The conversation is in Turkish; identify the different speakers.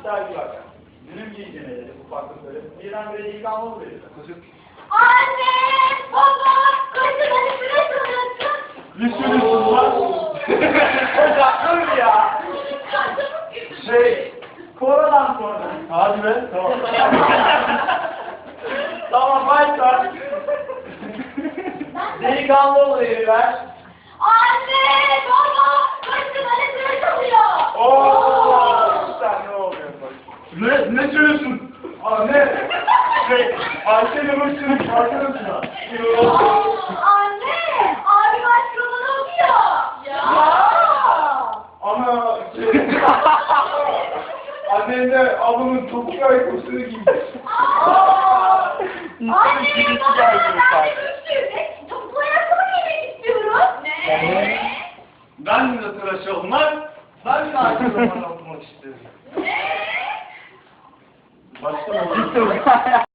Speaker 1: sergi var. Günüm giyceneleri, ufaklıkları. Birdenbire ilgam olur dedi.
Speaker 2: Anne, baba, kaçın hadi süre sanıyorsun.
Speaker 1: Ne söylüyorsun lan? Hocam dur ya. Koronadan sonra. Hadi be, tamam. Tamam, başla. Delikanlı olayı ver.
Speaker 2: Anne, baba, kaçın hadi süre sanıyor.
Speaker 1: Ooo! Sen ne oluyor bak? Ne söylüyorsun? Anne! Ayşe'yle başlayalım, arkadaşına.
Speaker 2: Anne, abi aşk romanı okuyor. Ya.
Speaker 1: Ama annen de ablamın topuk ayakkabısını giymiş.
Speaker 2: Anne, bana ben de küçüğüm. Topuklu ayakkabı giymek istiyorum. Ne?
Speaker 1: Ben de tıraş olmak, ben de Ayşe romanı okumak istiyorum.
Speaker 2: Ne?
Speaker 1: Başka ne